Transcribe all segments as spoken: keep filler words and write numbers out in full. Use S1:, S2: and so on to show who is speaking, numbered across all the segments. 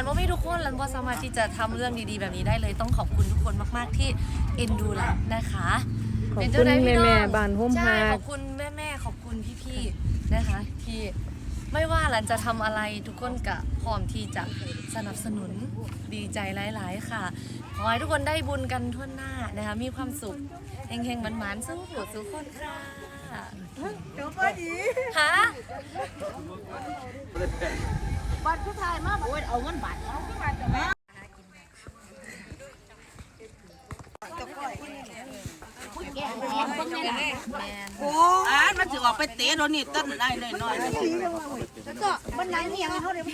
S1: นว่าไม่ทุกคนลันว่าสามารถที่จะทำเรื่องดีๆแบบนี้ได้เลยต้องขอบคุณทุกคนมากๆที่เอ็นดูลันนะคะ
S2: ขอบคุณแม่แม่บ้านโฮม
S1: ใช่
S2: ฮา
S1: ขอบคุณแม่แม่ขอบคุณพี่ๆนะคะที่ไม่ว่าลันจะทำอะไรทุกคนก็พร้อมที่จะสนับสนุนดีใจหลายๆค่ะขอให้ทุกคนได้บุญกันทั่วหน้านะคะมีความสุขเฮงๆหมันๆสู้ผู้สู้คนค่ะเดี๋ยวก็ดีฮะบัตรผู้ชายมากโอ้ยเอาเงินบัตรเอาที่บัตรจะมา
S3: โอ้อ่านมันจะออกไปเตะโดนนี่ต้นได้เลยน้อยแล้วก็บันไดนี่ยังเขาเดี๋ยว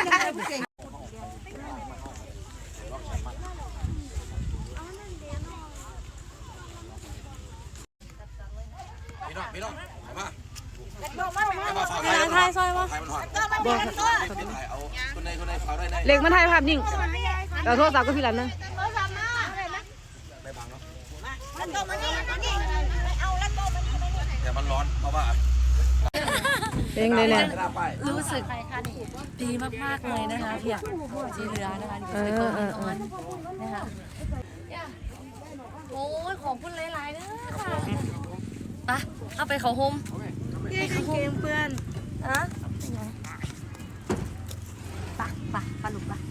S4: พี่น้องพี่น้องมา
S2: ไทยซอยวะ
S4: บอกเอาคนในคนในเขาได้ใน
S2: เล็กมาไทยภาพนิ่งเราโทรศัพท์ก็พี่รันนะ
S4: ไม่บังเนาะ
S3: แล้วโตมานี่มานี่เอาแล้วโตมานี่มานี่
S4: แต่มันร้อนเพราะว่า
S2: เพลงเลยเนี่ย
S1: รู้สึกดีมากๆเลยนะคะพี่จีเรือนะคะที่เป็นตัวอ่อนนะคะโอ้ยของคุณหลายๆนะค่ะปะเข้าไปเขาโฮม
S3: เกมเพื่อน
S1: อะปะปะปะลูกปะ